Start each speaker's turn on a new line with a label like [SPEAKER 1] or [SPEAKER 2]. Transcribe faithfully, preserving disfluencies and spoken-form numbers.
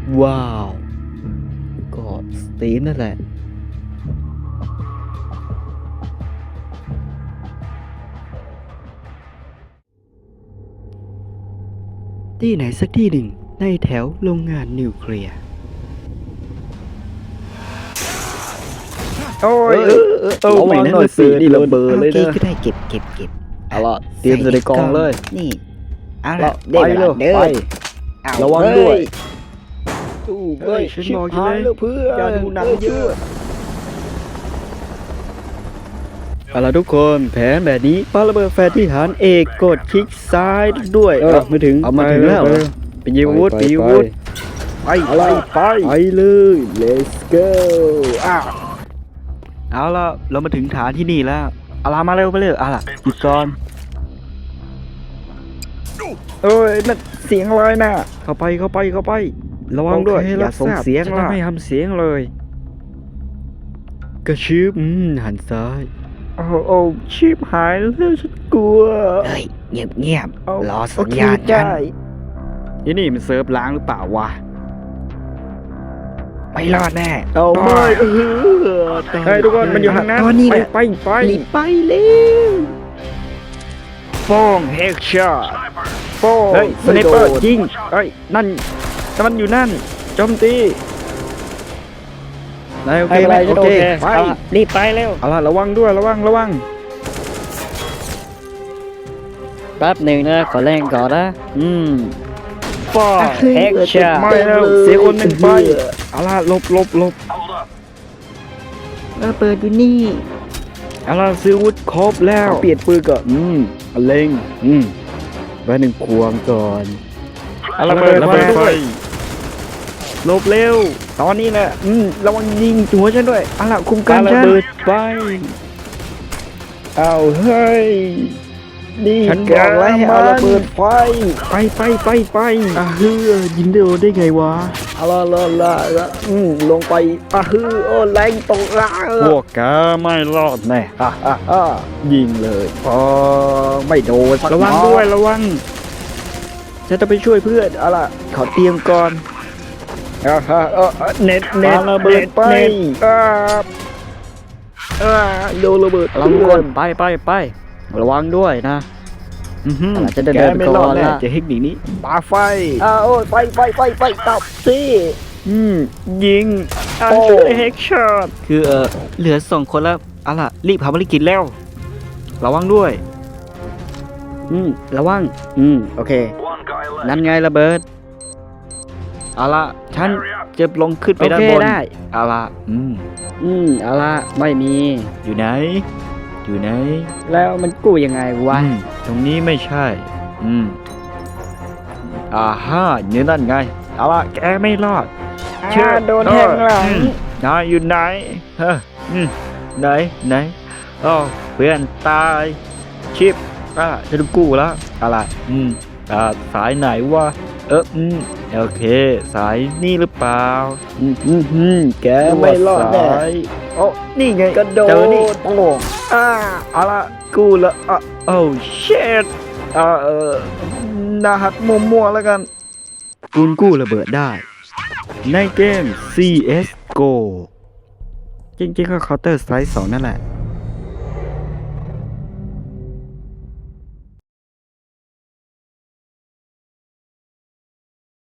[SPEAKER 1] ว้าวก็สตีฟนั่นแหละที่ไหนสักที่หนึ่งในแถวโรงงานนิวเคลียร์
[SPEAKER 2] โอ้ยเออเออเออ
[SPEAKER 1] ระวังหน่อยสินี่ระเบิดเลย
[SPEAKER 3] โอ
[SPEAKER 1] นะ
[SPEAKER 3] เคก็ได้เก็บเก็บเก็บ
[SPEAKER 1] เอาล่ะเตรียมใส่ในกล่องเลย
[SPEAKER 3] นี่เอา
[SPEAKER 1] ละ
[SPEAKER 3] ละได้
[SPEAKER 1] ไป
[SPEAKER 3] เว
[SPEAKER 1] เล
[SPEAKER 3] ลาย เดิ
[SPEAKER 1] ไป
[SPEAKER 3] นเอา
[SPEAKER 1] ระวัง
[SPEAKER 3] เฮ้
[SPEAKER 1] ด้วยตู้เฮ้ย
[SPEAKER 2] ฉัน
[SPEAKER 1] ชิบ
[SPEAKER 2] บอกอยู่
[SPEAKER 1] หาย
[SPEAKER 2] แล้ว
[SPEAKER 1] แล้วเพื่อน
[SPEAKER 2] อย่าดูหนังเยอะ
[SPEAKER 1] เอาล่ะทุกคนแผนแบบนี้ปาระเบิดแฟร์ที่ฐานเอกกดคลิกซ้ายด้วย
[SPEAKER 2] เออ
[SPEAKER 1] มาถึงเอามาถึงแล้ว
[SPEAKER 2] ไป
[SPEAKER 1] เหรอเป็นยีวุฒเป็นยีวุฒ
[SPEAKER 2] ไปอะไรไป
[SPEAKER 1] ไปเลย let's go อ้าวเอาล่ะเรามาถึงฐานที่นี่แล้วเอาล่ะมาเร็วไปเลยเอาล่ะหยุดก่อน
[SPEAKER 2] เอ้ยนั่นเสียงอะไรน่ะ
[SPEAKER 1] เข้าไปเข้าไปเข้าไป ระวังด้วย
[SPEAKER 2] โอเค
[SPEAKER 1] อย่าส่ง
[SPEAKER 2] รับทราบ
[SPEAKER 1] เสียง
[SPEAKER 2] ฉัน
[SPEAKER 1] ล่ะ
[SPEAKER 2] จะไม่ทำเสียงเลย
[SPEAKER 1] กระชืบอืมหันซ้าย
[SPEAKER 2] โอ้โอ้ชีพหายแล้วฉันกลัว
[SPEAKER 3] เฮ้ยเงียบเงียบ
[SPEAKER 2] เอา
[SPEAKER 3] รอสั
[SPEAKER 2] โอ
[SPEAKER 3] ญ
[SPEAKER 2] เค
[SPEAKER 3] ญาณฉัน
[SPEAKER 2] ได้
[SPEAKER 1] ที่นี่มันเซิร์ฟล้างหรือเปล่าวะ
[SPEAKER 3] ไม่รอดแน่
[SPEAKER 1] เอา
[SPEAKER 2] ไป
[SPEAKER 1] ไม่เออ
[SPEAKER 2] เฮ้ยทุกคนมันอยู่ทางนั้น
[SPEAKER 3] ตอนนี้
[SPEAKER 2] ไป
[SPEAKER 3] แหละ
[SPEAKER 2] ไปไป
[SPEAKER 3] รีบไปเร็ว
[SPEAKER 2] ฟ้องเฮกช็อตฟ้อง
[SPEAKER 1] เฮ้ยสไนเปอร์
[SPEAKER 2] โดด
[SPEAKER 1] ยิงเฮ้ยนั่นแต่มันอยู่นั่นโจมตีนายโอเค
[SPEAKER 2] ไม่เป็น
[SPEAKER 1] ไหม
[SPEAKER 2] ไร
[SPEAKER 1] โอ
[SPEAKER 2] โอ
[SPEAKER 1] เค
[SPEAKER 2] เค
[SPEAKER 1] ไป
[SPEAKER 3] เอาละรีบไปเร็ว
[SPEAKER 1] เอาล่ะระวังด้วยระวังระวัง
[SPEAKER 3] แป๊บหนึ่งนะขอแรงก่อนนะ
[SPEAKER 1] อืม
[SPEAKER 2] ฟ้อง
[SPEAKER 3] เฮกช็อต
[SPEAKER 2] ไม่แล้วเสียคนหนึ่งไป
[SPEAKER 1] เอาล่ะหลบหลบหลบ
[SPEAKER 3] เออเปิดอยู่นี่
[SPEAKER 1] เอาล่ะซื้ออาวุธครบแล้วเปลี่ยนปืนก่อนอืมเอาเล็งอืมไว้หนึ่งควงก่อน
[SPEAKER 2] เอาระเบิด
[SPEAKER 1] ระเบิด
[SPEAKER 2] ไฟ
[SPEAKER 1] ด้วยหลบเร็ว ตอนนี้แหละอืมระวังยิงหัวฉันด้วยเอาล่ะคุมการ
[SPEAKER 2] เอาระ
[SPEAKER 1] ฉัน
[SPEAKER 2] เบิด
[SPEAKER 1] ไปเอาเฮ้ยนี่
[SPEAKER 2] ฉันบอกแล้วให้เอาระเบิดไฟ
[SPEAKER 1] ไปไปไปไปอ่ะเฮ้ยยิงได้โดนได้ไงวะเอาละละละละอืมลงไปอ่ะเฮ้ยโอ้แรงตกละพวกแกไม่รอดแน่อ่ะอ่ะอ่ะยิงเลยพอไม่โดนสัก
[SPEAKER 2] ระวัง
[SPEAKER 1] นัด
[SPEAKER 2] ด้วยระวัง
[SPEAKER 1] ฉันจะไปช่วยเพื่อนเอาล่ะขอเตรียมก่อน
[SPEAKER 2] อ่าฮะเออเออเน็ตเน็ต
[SPEAKER 1] ปาระเบิดไป
[SPEAKER 2] เน็ตอ่า
[SPEAKER 1] อ่าโดนระเบิด
[SPEAKER 3] ระวังก่อนไปไปไประ
[SPEAKER 1] วังด้วยนะอือหือ
[SPEAKER 3] เราจะเดิน
[SPEAKER 1] แก
[SPEAKER 3] เดิน
[SPEAKER 1] ไม่
[SPEAKER 3] ก่
[SPEAKER 1] รอ
[SPEAKER 3] อ
[SPEAKER 1] ด
[SPEAKER 3] น
[SPEAKER 1] แน่
[SPEAKER 3] ละ
[SPEAKER 1] จะเทคนิคนี้
[SPEAKER 2] ปาไฟ
[SPEAKER 1] อ่าโอ้ยไฟไฟไฟไฟตับสิอืมยิง
[SPEAKER 2] อัน
[SPEAKER 1] โอ้
[SPEAKER 2] ช่วยเฮกช็อต
[SPEAKER 1] คือเออเหลือสองคนแล้วเอาล่ะรีบทำภารกิจแล้ว ระวังด้วย อืมระวัง อืมโอเค นั่นไงระเบิดเอาล่ะฉันจะลงขึ้นไป
[SPEAKER 3] โอ
[SPEAKER 1] ด้าน
[SPEAKER 3] เค
[SPEAKER 1] บน
[SPEAKER 3] ได้
[SPEAKER 1] เอาล่ะอืม
[SPEAKER 3] อืมเอาละไม่มี
[SPEAKER 1] อยู่ไหน อยู่ไหน
[SPEAKER 3] แล้วมันกู้ยังไงวะ
[SPEAKER 1] อืมตรงนี้ไม่ใช่ อืมอ่าฮ่าเนี่ยนั่นไงเอาล่ะแกไม่รอด
[SPEAKER 2] เชื่อโดนแทงหลัง
[SPEAKER 1] อืมนายอยู่ไหนเฮ้ออืมไหนไหนอ๋อเพื่อนตายชิปอ่าจะดูกู้แล้วอะไรอืมอ่าสายไหนวะเอออืมโอเค สายนี่หรือเปล่าอืมอืมอืมแก
[SPEAKER 2] ไม่รอดแน่
[SPEAKER 1] ว่าสายโอ้นี่ไง
[SPEAKER 2] กระโดด
[SPEAKER 1] เจอนี่โอ้อ่าเอาละกู้ละอ่ะโอ้เชดอ่าเออหนาหักมัวๆแล้วกันคุณกู้ระเบิดได้ ในเกม ซี เอส จี โอ จริงๆก็ Counter Strike สองนั่นแหละ